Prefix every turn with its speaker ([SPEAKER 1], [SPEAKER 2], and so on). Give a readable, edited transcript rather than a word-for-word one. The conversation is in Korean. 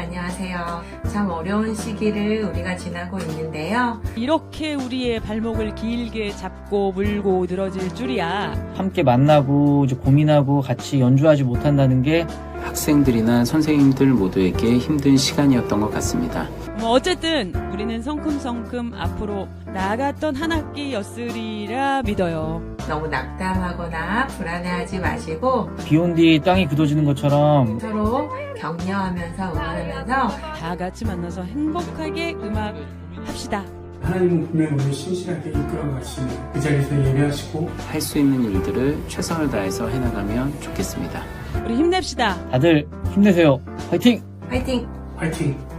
[SPEAKER 1] 안녕하세요. 참 어려운 시기를 우리가 지나고 있는데요.
[SPEAKER 2] 이렇게 우리의 발목을 길게 잡고 물고 늘어질 줄이야.
[SPEAKER 3] 함께 만나고 이제 고민하고 같이 연주하지 못한다는 게
[SPEAKER 4] 학생들이나 선생님들 모두에게 힘든 시간이었던 것 같습니다.
[SPEAKER 2] 어쨌든 우리는 성큼성큼 앞으로 나아갔던 한 학기였으리라 믿어요.
[SPEAKER 1] 너무 낙담하거나 불안해하지 마시고
[SPEAKER 3] 비 온 뒤 땅이 굳어지는 것처럼
[SPEAKER 1] 서로 격려하면서 응원하면서
[SPEAKER 2] 다 같이 만나서 행복하게 음악 합시다.
[SPEAKER 5] 하나님은 분명 우리를 신실하게 이끌어 가시는 그 자리에서 예배하시고
[SPEAKER 4] 할 수 있는 일들을 최선을 다해서 해나가면 좋겠습니다.
[SPEAKER 2] 우리 힘냅시다.
[SPEAKER 3] 다들 힘내세요. 화이팅!
[SPEAKER 1] 화이팅!
[SPEAKER 5] 화이팅!